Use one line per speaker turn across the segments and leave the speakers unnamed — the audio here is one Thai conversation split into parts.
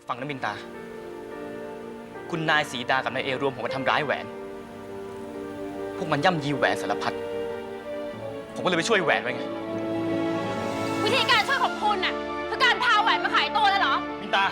ฟังนะมินตาคุณนายสีดากับนายเอรวมผมกันทำร้ายแหวนพวกมันย่ำยีแหวนสารพัดผมก็เลยไปช่วยแหวนไว้ไง
วิธีการช่วยของคุณน่ะคือการพาแหวนมาขายตัวเลยเหรอ
มินตา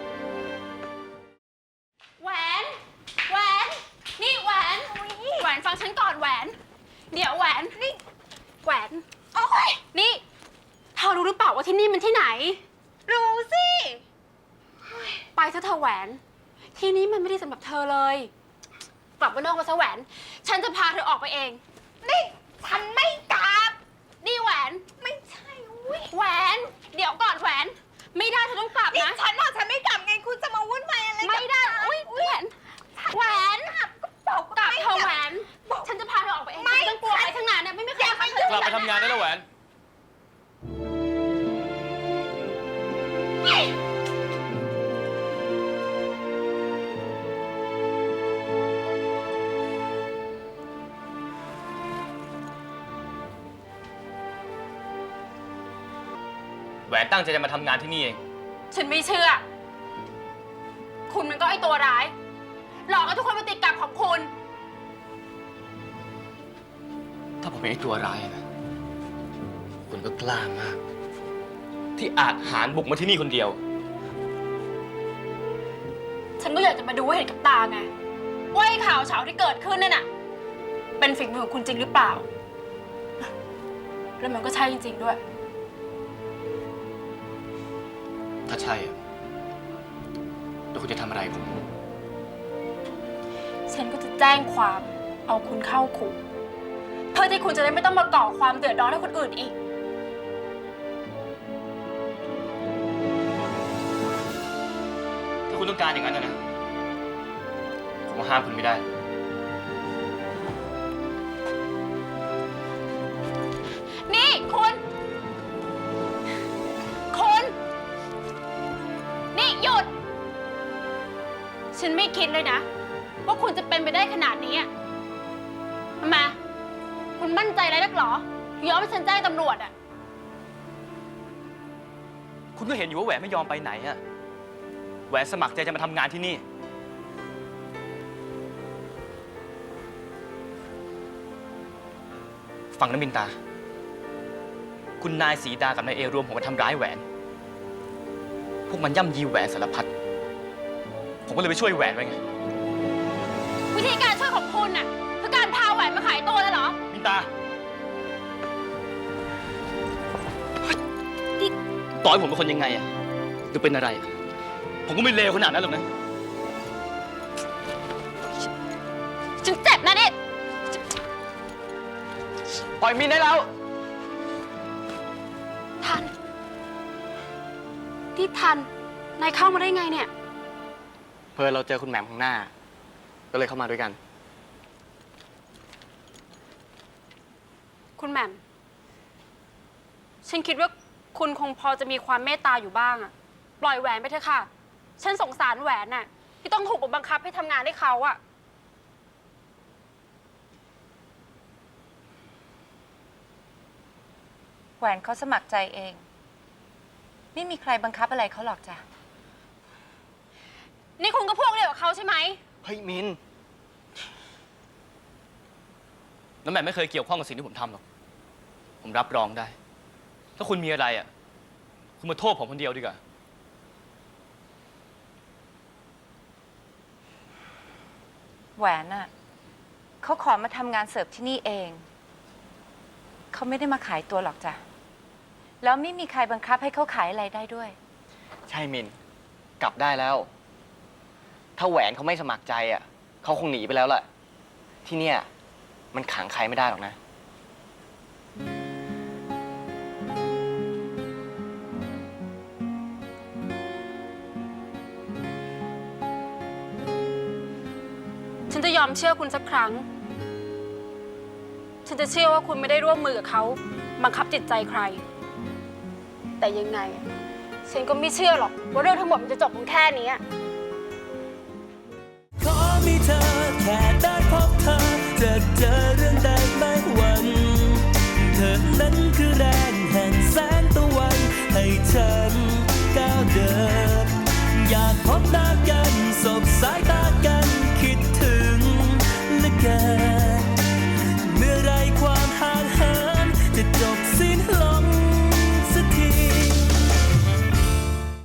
แหวนนี่แหวนฟังฉันก่อนแหวนเดี๋ยวแหวนนี่แหวนโอ้ยนี่เธอรู้หรือเปล่าว่าที่นี่มันที่ไหนรู้สิไปซะเธอแหวนที่นี้มันไม่ได้สำหรับเธอเลยกลับมานอกมาซะแหวนฉันจะพาเธอออกไปเองนี่ฉันไม่กลับนี่แหวนไม่ใช่แหวนเดี๋ยวก่อนแหวนไม่ได้เธอต้องกลับนะฉันบอกฉันไม่กลับไงคุณจะมาวุ่นวายอะไรไม่ได้แหวนกลับเธอแหวนฉันจะพาเธอออกไปเองไม่ต้องกลัวอะไรทั้งนั้นเนี่ยไม่มีใครไป
กลับไปทำงานได้แล้วแหวนแหวนตั้งใจจะมาทำงานที่นี่เอง
ฉันไม่เชื่อคุณมันก็ไอตัวร้ายหลอกให้ทุกคนมาติดกับของคุณ
ถ้าผมเป็นไอ้ตัวร้ายนะคุณก็กล้ามากที่อาจหาญบุกมาที่นี่คนเดียว
ฉันก็อยากจะมาดูให้เห็นกับตาไงว่าไอ้ข่าวเฉาที่เกิดขึ้นนั่นน่ะเป็นฝีมือของคุณจริงหรือเปล่าแล้วมันก็ใช่จริงๆด้วย
ถ้าใช่แล้วคุณจะทำอะไรผม
ฉันก็จะแจ้งความเอาคุณเข้าคุกเพื่อที่คุณจะได้ไม่ต้องมาก่อความเดือดร้อนให้คนอื่นอีก
ถ้าคุณต้องการอย่างนั้นนะผมห้ามคุณไม่ได้
นี่คุณนี่หยุดฉันไม่คิดเลยนะว่าคุณจะเป็นไปได้ขนาดนี้ทำไมคุณมั่นใจอะไรนักหรอยอมให้ฉันแจ้งตำรวจ
คุณก็เห็นอยู่ว่าแหวนไม่ยอมไปไหนแหวนสมัครใจจะมาทำงานที่นี่ฟังนะมินตาคุณนายสีดากับนายเอรวมผมกันทำร้ายแหวนพวกมันย่ำยีแหวนสารพัดผมก็เลยไปช่วยแหวนไว้ไง
วิธีการช่วยของคุณน่ะคือการพาแหวนมาขายตัวเลยเหรอ
มินตาต่อให้ผมเป็นคนยังไงหรือเป็นอะไรผมก็ไม่เลวขนาดนั้นหรอกนะ
ฉันเจ็บนะนี่
ปล่อยมินได้แล้ว
ทันที่ทันนายเข้ามาได้ไงเนี่ย
เพื่อเราเจอคุณแหม่มข้างหน้าก็เลยเข้ามาด้วยกัน
คุณแหม่มฉันคิดว่าคุณคงพอจะมีความเมตตาอยู่บ้างปล่อยแหวนไปเถอะค่ะฉันสงสารแหวนน่ะที่ต้องถูกบังคับให้ทำงานให้เขา
แหวนเขาสมัครใจเองไม่มีใครบังคับอะไรเขาหรอกจ้ะ
นี่คุณก็พวกเดียวกับเขาใช่ไหม
เฮ้ยมินน้ำแหม่มไม่เคยเกี่ยวข้องกับสิ่งที่ผมทำหรอกผมรับรองได้ถ้าคุณมีอะไรคุณมาโทษผมคนเดียวดีกว่า
แหวนน่ะเขาขอมาทำงานเสิร์ฟที่นี่เองเขาไม่ได้มาขายตัวหรอกจ้ะแล้วไม่มีใครบังคับให้เขาขายอะไรได้ด้วย
ใช่มินกลับได้แล้วถ้าแหวนเขาไม่สมัครใจเขาคงหนีไปแล้วแหละที่เนี่ยมันขังใครไม่ได้หรอกนะ
ฉันจะยอมเชื่อคุณสักครั้งฉันจะเชื่อว่าคุณไม่ได้ร่วมมือกับเขาบังคับจิตใจใครแต่ยังไงฉันก็ไม่เชื่อหรอกว่าเรื่องทั้งหมดมันจะจบเพียงแค่นี้
ขอมีเธอแค่ได้พบเธอจะเจอเรื่องใดไม่หวั่นเธอนั้นคือแรงแห่งแสงตะวันให้ฉันก้าวเดิน